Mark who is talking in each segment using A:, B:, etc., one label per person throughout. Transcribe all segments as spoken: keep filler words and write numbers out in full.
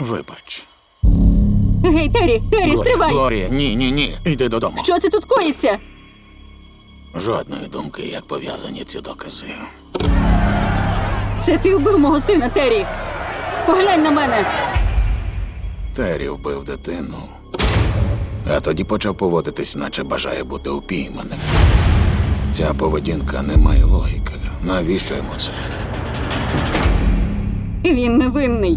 A: Вибач.
B: Гей, Террі, Террі,
A: Глорія,
B: стривай!
A: Глорія, ні, ні, ні. Йди додому.
B: Що це тут коїться?
A: Жодної думки, як пов'язані ці докази.
B: Це ти вбив мого сина, Террі! Поглянь на мене!
A: Террі вбив дитину. А тоді почав поводитись, наче бажає бути упійманим. Ця поведінка не має логіки. Навіщо йому це?
B: Він невинний.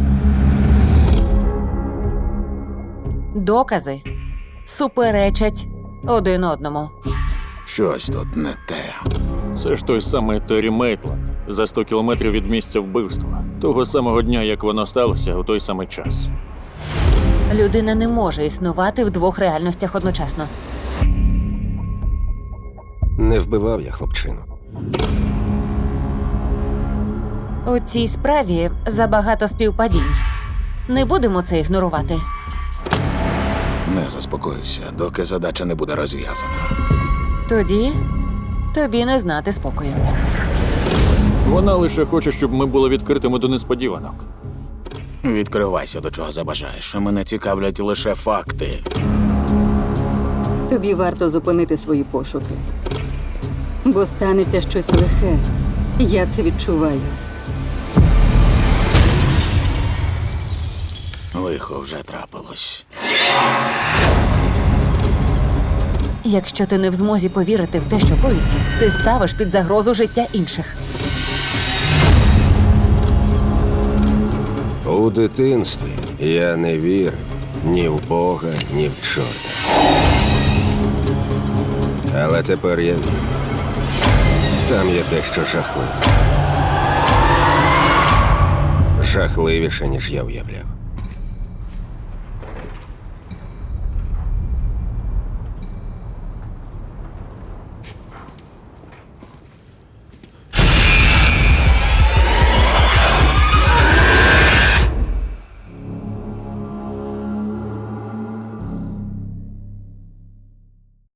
C: Докази суперечать один одному.
A: Щось тут не те.
D: Це ж той самий Террі Мейтланд, за сто кілометрів від місця вбивства. Того самого дня, як воно сталося, у той самий час.
C: Людина не може існувати в двох реальностях одночасно.
E: Не вбивав я хлопчину.
C: У цій справі забагато співпадінь. Не будемо це ігнорувати.
A: Не заспокоюся, доки задача не буде розв'язана.
C: Тоді тобі не знати спокою.
D: Вона лише хоче, щоб ми були відкритими до несподіванок.
A: Відкривайся, до чого забажаєш. Мене цікавлять лише факти.
B: Тобі варто зупинити свої пошуки. Бо станеться щось лихе. Я це відчуваю.
A: Лихо вже трапилось.
C: Якщо ти не в змозі повірити в те, що коїться, ти ставиш під загрозу життя інших.
E: У дитинстві я не вірив ні в Бога, ні в чорта. Але тепер я вірю. Там є дещо жахливе. Жахливіше, ніж я уявляв.